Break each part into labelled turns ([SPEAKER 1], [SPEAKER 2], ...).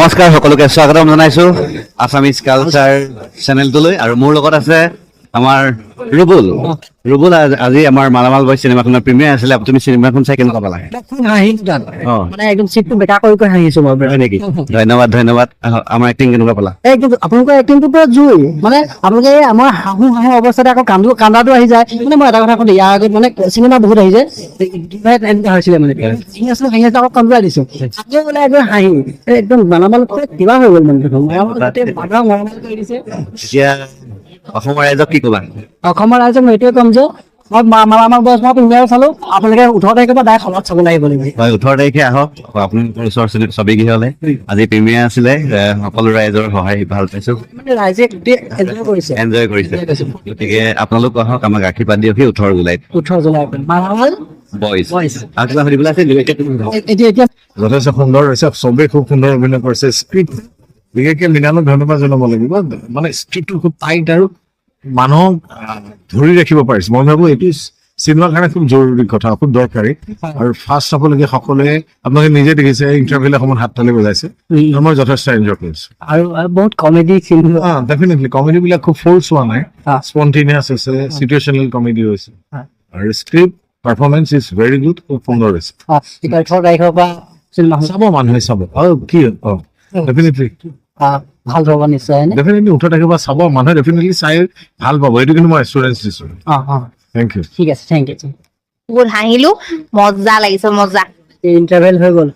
[SPEAKER 1] নমস্কাৰ সকলোকে স্বাগতম জনাইছো আছামিজ কালচাৰ চেনেলটোলৈ আৰু মোৰ লগত আছে আমাৰ ৰুবুল আজি আমাৰ মালামাল বয় চিনেমাখনৰ প্ৰিমিয়াৰ আছিলে তুমি চিনেমাখন চাই কেনেকুৱা পালা
[SPEAKER 2] মানে একদম চিটটো বেকা কৰি হাঁহিছো মই
[SPEAKER 1] হয় নেকি ধন্যবাদ আমাৰ এক্টিং কেনেকুৱা পালা
[SPEAKER 2] একদম আপোনালোকৰ এক্টিংটো পুৰা জুই মানে আপোনালোকে আমাৰ হাঁহো অৱস্থাতে আকৌ কান্দাটো আহি যায় মানে মই এটা কথা কওঁ ইয়াৰ আগত মানে চিনেমা বহুত আহি যায় এনেকুৱা হৈছিলে মানে হাঁহি আছিলো আকৌ কমপ্লাই দিছো আকৌ মানে একদম হাঁহি একদম মালামাল কিবা হৈ গ'ল মানে মালামাল কৰি দিছে
[SPEAKER 1] এতিয়া অসমৰ ৰাইজক কি ক'বা
[SPEAKER 2] অসমৰ ৰাইজক মই এইটোৱে ক'ম যে মই মালামাল বয়স মই প্ৰিমিয়াৰ চালো আপোনালোকে 18 তাৰিখৰ পৰা ডাইৰেক্ট হলত চাব লাগিব
[SPEAKER 1] হয় 18 তাৰিখে আহক আপোনালোকৰ ওচৰ ছবিগৃহলৈ আজি প্ৰিমিয়াৰ আছিলে সকলো ৰাইজৰ সহায় ভাল পাইছো
[SPEAKER 2] মানে ৰাইজে গোটেই
[SPEAKER 1] এনজয় কৰিছে গতিকে আপোনালোক আহক আমাক আশীৰ্বাদ দিয়ক 18 জুলাইত
[SPEAKER 2] 18 জুলাই মালামাল
[SPEAKER 1] বইজ
[SPEAKER 2] Boys।
[SPEAKER 1] আৰু কিবা সুধিবলৈ আছে
[SPEAKER 2] এতিয়া
[SPEAKER 3] যথেষ্ট সুন্দৰ হৈছে চবেই খুব সুন্দৰ অভিনয় কৰিছে স্ক্ৰিপ্ট বিশেষকৈ মৃণালক ধন্যবাদ জনাব লাগিব মানে স্ক্ৰিপ্টটো খুব টাইট আৰু মানুহক ধৰি ৰাখিব পাৰিছে মই ভাবো এইটো চিনেমাৰ কাৰণে খুব জৰুৰী কথা খুব দৰকাৰী আৰু ফাৰ্ষ্ট চাবলগীয়া সকলোৱে আপোনালোকে নিজে দেখিছে ইণ্টাৰভিউৰ সময়ত হাত তালি বজাইছে আৰু মই যথেষ্ট এনজয় কৰিছো
[SPEAKER 2] আৰু বহুত কমেডি ফিল্ম
[SPEAKER 3] ডেফিনেটলি কমেডি বিলাক খুব ফ'ৰ্চ হোৱা নাই স্পণ্টেনিয়াছ হৈছে চিটুৱেশ্যনেল কমেডি হৈছে আৰু script performance is very good খুব সুন্দৰ হৈছে
[SPEAKER 2] 18 তাৰিখৰ পৰা চিনেমা
[SPEAKER 3] চাব মানুহে চাব আৰু কি ডেফিনেটলি
[SPEAKER 2] ভাল হ'ব নিশ্চয়
[SPEAKER 3] ডেফিনেটলি 18 তাৰিখৰ পৰা চাব মানুহে ডেফিনেটলি চাই ভাল পাব এইটো কিন্তু মই এচুৰেঞ্চ দিছো থেংক ইউ
[SPEAKER 2] ঠিক আছে থেংক ইউ
[SPEAKER 4] বহুত হাঁহিলো মজা লাগিছে মজা
[SPEAKER 2] ইণ্টাৰভেল হৈ গ'ল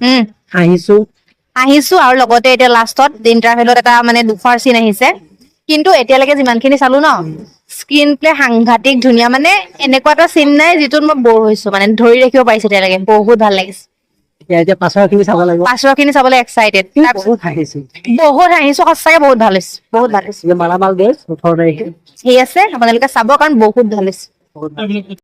[SPEAKER 4] হাঁহিছো আৰু লগতে এতিয়া লাষ্টত ইণ্টাৰভেলত এটা মানে দুখৰ চিন আহিছে কিন্তু এতিয়ালৈকে যিমানখিনি চালো ন স্ক্ৰীন প্লে সাংঘাতিক ধুনীয়া মানে এনেকুৱা এটা চিন নাই যিটোত মই বৰ হৈছো মানে ধৰি ৰাখিব পাৰিছো এতিয়ালৈকে বহুত ভাল লাগিছে
[SPEAKER 2] এতিয়া পাছৰখিনি চাব লাগিব
[SPEAKER 4] পাছৰখিনি চাবলৈ এক্সাইটেড
[SPEAKER 2] বহুত হাঁহিছো
[SPEAKER 4] সঁচাকে বহুত ভাল হৈছে বহুত ভাল হৈছে
[SPEAKER 2] মালামাল ডেজ 18 তাৰিখে
[SPEAKER 4] ঠিক আছে আপোনালোকে চাব কাৰণ বহুত ভাল হৈছে